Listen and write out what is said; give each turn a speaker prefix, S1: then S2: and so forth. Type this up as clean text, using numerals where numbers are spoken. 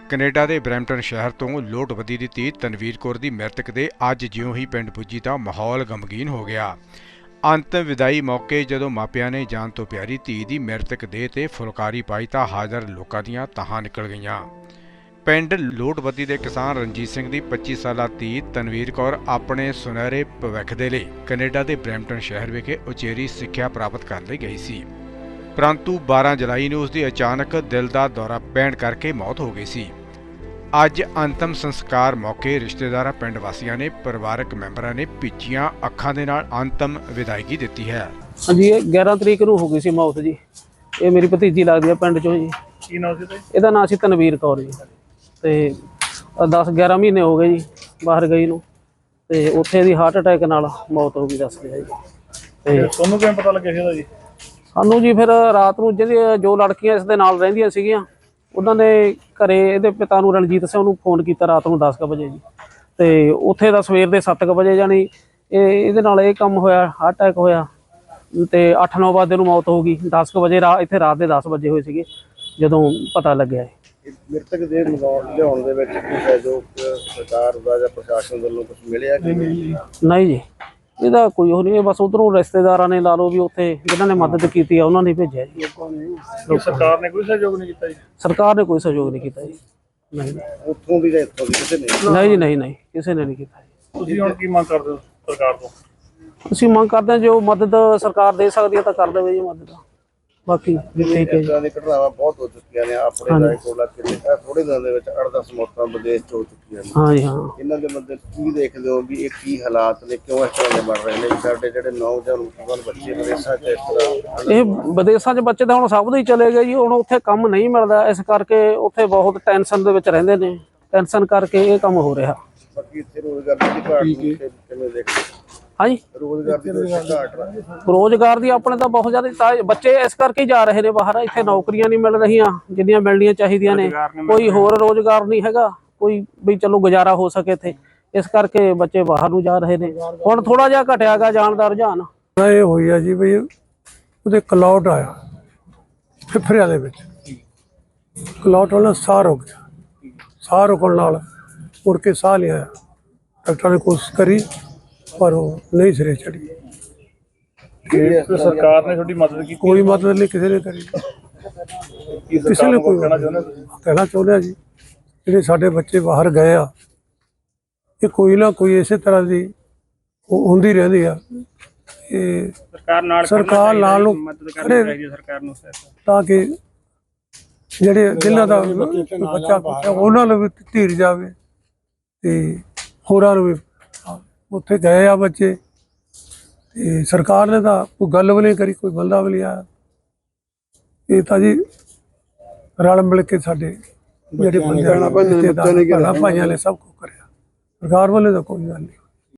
S1: Canada ਦੇ Brampton ਸ਼ਹਿਰ ਤੋਂ ਲੋਟਵੱਦੀ ਦੀ ਧੀ ਤਨਵੀਰ ਕੌਰ ਦੀ ਮ੍ਰਿਤਕ ਦੇ ਅੱਜ ਜਿਉਂ ਹੀ ਪਿੰਡ ਪੁੱਜੀ ਤਾਂ ਮਾਹੌਲ ਗਮਗੀਨ ਹੋ ਗਿਆ। ਅੰਤਿਮ ਵਿਦਾਈ ਮੌਕੇ ਜਦੋਂ ਮਾਪਿਆਂ ਨੇ ਜਾਨ ਤੋਂ ਪਿਆਰੀ ਧੀ ਦੀ ਮ੍ਰਿਤਕ ਦੇਹ ਤੇ ਫੁਲਕਾਰੀ ਪਾਈ ਤਾਂ ਹਾਜ਼ਰ ਲੋਕਾਂ ਦੀਆਂ ਤਾਹਾਂ ਨਿਕਲ ਗਈਆਂ। ਪਿੰਡ ਲੋਟਵੱਦੀ ਦੇ ਕਿਸਾਨ ਰਣਜੀਤ ਸਿੰਘ ਦੀ 25 ਸਾਲਾ ਧੀ ਤਨਵੀਰ ਕੌਰ ਆਪਣੇ ਸੁਨਹਿਰੇ ਭਵਿੱਖ ਦੇ ਲਈ ਕੈਨੇਡਾ ਦੇ ਬਰੈਂਪਟਨ ਸ਼ਹਿਰ ਵਿਖੇ ਉਚੇਰੀ ਸਿੱਖਿਆ ਪ੍ਰਾਪਤ ਕਰਨ ਲਈ ਗਈ ਸੀ, परंतु 12 जुलाई ਨੂੰ ਉਸ ਦੀ ਅਚਾਨਕ ਦਿਲ ਦਾ ਦੌਰਾ ਪੈਣ ਕਰਕੇ ਮੌਤ ਹੋ ਗਈ ਸੀ। ਅੱਜ ਅੰਤਮ ਸੰਸਕਾਰ ਮੌਕੇ ਰਿਸ਼ਤੇਦਾਰਾਂ, ਪਿੰਡ ਵਾਸੀਆਂ ਨੇ ਪਰਿਵਾਰਕ ਮੈਂਬਰਾਂ ਨੇ ਭਿੱਜੀਆਂ ਅੱਖਾਂ ਦੇ ਨਾਲ ਅੰਤਮ ਵਿਦਾਇਗੀ ਦਿੱਤੀ ਹੈ।
S2: ਹਾਂਜੀ, 11 ਤਰੀਕ ਨੂੰ ਹੋ ਗਈ ਸੀ ਮੌਤ ਜੀ। ਇਹ ਮੇਰੀ ਭਤੀਜੀ ਲੱਗਦੀ ਹੈ ਪਿੰਡ ਚੋਂ ਜੀ।
S3: ਕੀ ਨਾਮ ਸੀ
S2: ਇਹਦਾ ਨਾਮ ਸੀ ਤਨਵੀਰ ਕੌਰ ਜੀ। ਤੇ 10-11 ਮਹੀਨੇ ਹੋ ਗਏ ਜੀ ਬਾਹਰ ਗਈ ਨੂੰ, ਤੇ ਉੱਥੇ ਦੀ ਹਾਰਟ ਅਟੈਕ ਨਾਲ ਮੌਤ ਹੋ ਗਈ ਦੱਸਦੇ ਆ ਜੀ। ਤੇ
S3: ਤੁਹਾਨੂੰ ਕਿਵੇਂ ਪਤਾ ਲੱਗਿਆ ਸੀ ਇਹਦਾ ਜੀ?
S2: ਸਾਨੂੰ ਜੀ ਫਿਰ ਰਾਤ ਨੂੰ ਜੋ ਲੜਕੀਆਂ ਇਸ ਦੇ ਨਾਲ ਰਹਿੰਦੀਆਂ ਸੀਗੀਆਂ ਉਹਨਾਂ ਨੇ ਘਰੇ ਇਹਦੇ ਪਿਤਾ ਨੂੰ ਰਣਜੀਤ ਸਿੰਘ ਨੂੰ ਫੋਨ ਕੀਤਾ ਰਾਤ ਨੂੰ 10 ਵਜੇ ਜੀ। ਤੇ ਉੱਥੇ ਦਾ ਸਵੇਰ ਦੇ 7 ਵਜੇ ਜਾਣੀ ਇਹਦੇ ਨਾਲ ਇਹ ਕੰਮ ਹੋਇਆ, ਹਾਰਟ ਅਟੈਕ ਹੋਇਆ ਤੇ 8-9 ਵਜੇ ਨੂੰ ਮੌਤ ਹੋ ਗਈ। 10 ਵਜੇ ਇੱਥੇ ਰਾਤ ਦੇ 10 ਵਜੇ ਹੋਏ ਸੀਗੇ ਜਦੋਂ ਪਤਾ ਲੱਗਿਆ।
S3: ਮ੍ਰਿਤਕ ਦੇ ਲਿਆਉਣ ਦੇ ਵਿੱਚ ਕੋਈ ਸਹਿਯੋਗ ਸਰਕਾਰ ਦਾ ਜਾਂ ਪ੍ਰਸ਼ਾਸਨ ਵੱਲੋਂ ਕੁਝ ਮਿਲਿਆ ਕਿ
S2: ਨਹੀਂ ਜੀ, ਇਹਦਾ ਕੋਈ ਉਹ ਨਹੀਂ। ਬਸ ਉਧਰੋਂ ਰਿਸ਼ਤੇਦਾਰਾਂ ਨੇ ਲਾ ਲਓ ਵੀ ਉੱਥੇ ਜਿਨ੍ਹਾਂ ਨੇ ਮਦਦ ਕੀਤੀ ਆ ਉਹਨਾਂ ਨੇ ਭੇਜਿਆ ਜੀ।
S3: ਸਰਕਾਰ ਨੇ ਕੋਈ ਸਹਿਯੋਗ ਨਹੀਂ ਕੀਤਾ ਜੀ?
S2: ਸਰਕਾਰ ਨੇ ਕੋਈ ਸਹਿਯੋਗ ਨਹੀਂ ਕੀਤਾ ਜੀ। ਨਹੀਂ
S3: ਉੱਥੋਂ ਦੀ ਜਾਂ ਇੱਥੋਂ ਦੀ ਕਿਸੇ ਨੇ?
S2: ਨਹੀਂ ਜੀ, ਨਹੀਂ ਕਿਸੇ ਨੇ ਨਹੀਂ ਕੀਤਾ ਜੀ।
S3: ਤੁਸੀਂ ਹੁਣ ਕੀ ਮੰਗ ਕਰਦੇ ਹੋ ਸਰਕਾਰ ਤੋਂ?
S2: ਅਸੀਂ ਮੰਗ ਕਰਦੇ ਹਾਂ ਜੋ ਮਦਦ ਸਰਕਾਰ ਦੇ ਸਕਦੀ ਹੈ ਤਾਂ ਕਰ ਦੇਵੇ ਜੀ ਮਦਦ। ਬਾਕੀ ਠੀਕ ਹੈ ਜੀ।
S3: ਇਦਾਂ ਦੀ ਘਟਨਾਵਾਂ ਬਹੁਤ ਹੋ ਚੁੱਕੀਆਂ ਨੇ ਆਪਣੇ ਰਾਏਕੋਲਾ ਕਿਲੇ ਥੋੜੇ ਦਿਨਾਂ ਦੇ ਵਿੱਚ 8-10 ਮੌਤਾਂ ਵਿਦੇਸ਼ ਤੋਂ ਹੋ ਚੁੱਕੀਆਂ ਨੇ।
S2: ਹਾਂ ਜੀ ਹਾਂ।
S3: ਇਹਨਾਂ ਦੇ ਮੱਦੇ ਕੀ ਦੇਖਦੇ ਹੋ ਵੀ ਇਹ ਕੀ ਹਾਲਾਤ ਨੇ, ਕਿਉਂ ਇਸ ਤਰ੍ਹਾਂ ਦੇ ਬਣ ਰਹੇ ਨੇ? ਸਾਡੇ ਜਿਹੜੇ ਨੌਜਵਾਨ ਬੱਚੇ ਵਿਦੇਸ਼ਾਂ 'ਚ ਇਸ ਤਰ੍ਹਾਂ,
S2: ਇਹ ਵਿਦੇਸ਼ਾਂ 'ਚ ਬੱਚੇ ਤਾਂ ਹੁਣ ਸਭ ਦੇ ਹੀ ਚਲੇ ਗਏ ਜੀ। ਹੁਣ ਉੱਥੇ ਕੰਮ ਨਹੀਂ ਮਿਲਦਾ, ਇਸ ਕਰਕੇ ਉੱਥੇ ਬਹੁਤ ਟੈਨਸ਼ਨ ਦੇ ਵਿੱਚ ਰਹਿੰਦੇ ਨੇ। ਟੈਨਸ਼ਨ ਕਰਕੇ ਇਹ ਕੰਮ ਹੋ ਰਿਹਾ।
S3: ਬਾਕੀ ਇੱਥੇ ਰੋਜ਼ਗਾਰ ਦੀ ਘਾਟ ਕਿਵੇਂ ਦੇਖਦੇ?
S2: ਹਾਂਜੀ, ਰੋਜ਼ਗਾਰ ਦੀ ਆਪਣੇ ਤਾਂ ਬਹੁਤ ਜ਼ਿਆਦਾ ਬੱਚੇ ਇਸ ਕਰਕੇ ਜਾ ਰਹੇ ਨੇ ਬਾਹਰ। ਇੱਥੇ ਨੌਕਰੀਆਂ ਨਹੀਂ ਮਿਲ ਰਹੀਆਂ ਜਿੰਨੀਆਂ ਮਿਲਣੀਆਂ ਚਾਹੀਦੀਆਂ ਨੇ। ਕੋਈ ਹੋਰ ਰੋਜ਼ਗਾਰ ਨਹੀਂ ਹੈਗਾ ਕੋਈ ਵੀ ਚਲੋ ਗੁਜ਼ਾਰਾ ਹੋ ਸਕੇ ਇੱਥੇ, ਇਸ ਕਰਕੇ ਬੱਚੇ ਬਾਹਰ ਨੂੰ ਜਾ ਰਹੇ ਨੇ। ਹੁਣ ਥੋੜਾ ਜਿਹਾ ਘਟਿਆ ਗਾ ਜਾਣ ਦਾ ਰੁਝਾਨ।
S4: ਇਹ ਹੋਈ ਆ ਜੀ ਵੀ ਉਹਦੇ ਕਲੌਟ ਆਇਆ ਫਿਫਰਿਆਂ ਦੇ ਵਿੱਚ। ਕਲੌਟ ਵਾਲਾ ਸਾਹ ਰੁਕ ਗਿਆ। ਸਾਹ ਰੁਕਣ ਨਾਲ ਮੁੜ ਕੇ ਸਾਹ ਲਿਆ। ਡਾਕਟਰਾਂ ਨੇ ਕੋਸ਼ਿਸ਼ ਕਰੀ ਪਰ ਉਹ ਨਹੀਂ ਸਿਰੇ ਚੜੀ।
S3: ਸਰਕਾਰ ਨੇ ਤੁਹਾਡੀ ਮਦਦ ਕੀਤੀ?
S4: ਕੋਈ ਮਦਦ ਨਹੀਂ ਕਿਸੇ ਨੇ ਕਰੀ। ਕਿਸੇ ਨੇ ਕੋਈ ਕਹਿਣਾ ਚਾਹੁੰਦੇ ਆ ਜੀ ਜਿਹੜੇ ਸਾਡੇ ਬੱਚੇ ਬਾਹਰ ਗਏ ਆ, ਇਹ ਕੋਈ ਨਾ ਕੋਈ ਇਸੇ ਤਰ੍ਹਾਂ ਦੀ ਹੁੰਦੀ ਰਹਿੰਦੀ ਆ। ਇਹ ਸਰਕਾਰ ਨਾਲ ਨੂੰ
S3: ਸਰਕਾਰ ਨੂੰ
S4: ਤਾਂ ਕਿ ਜਿਹੜੇ ਜਿਨ੍ਹਾਂ ਦਾ ਬੱਚਾ ਉਹਨਾਂ ਨੂੰ ਵੀ ਧੀਰ ਜਾਵੇ ਤੇ ਹੋਰਾਂ ਨੂੰ ਵੀ। ਉੱਥੇ ਗਏ ਆ ਬੱਚੇ ਤੇ ਸਰਕਾਰ ਨੇ ਤਾਂ ਕੋਈ ਗੱਲ ਵੀ ਨਹੀਂ ਕਰੀ, ਕੋਈ ਬੰਦਾ ਵੀ ਨਹੀਂ ਆਇਆ। ਇਹ ਤਾਂ ਜੀ ਰਲ ਮਿਲ ਕੇ ਸਾਡੇ ਜਿਹੜੇ ਬੰਦੇ ਭਾਈਆਂ ਨੇ ਸਭ ਕੁਝ ਕਰਿਆ। ਸਰਕਾਰ ਵੱਲੋਂ ਤਾਂ ਕੋਈ ਗੱਲ ਨਹੀਂ।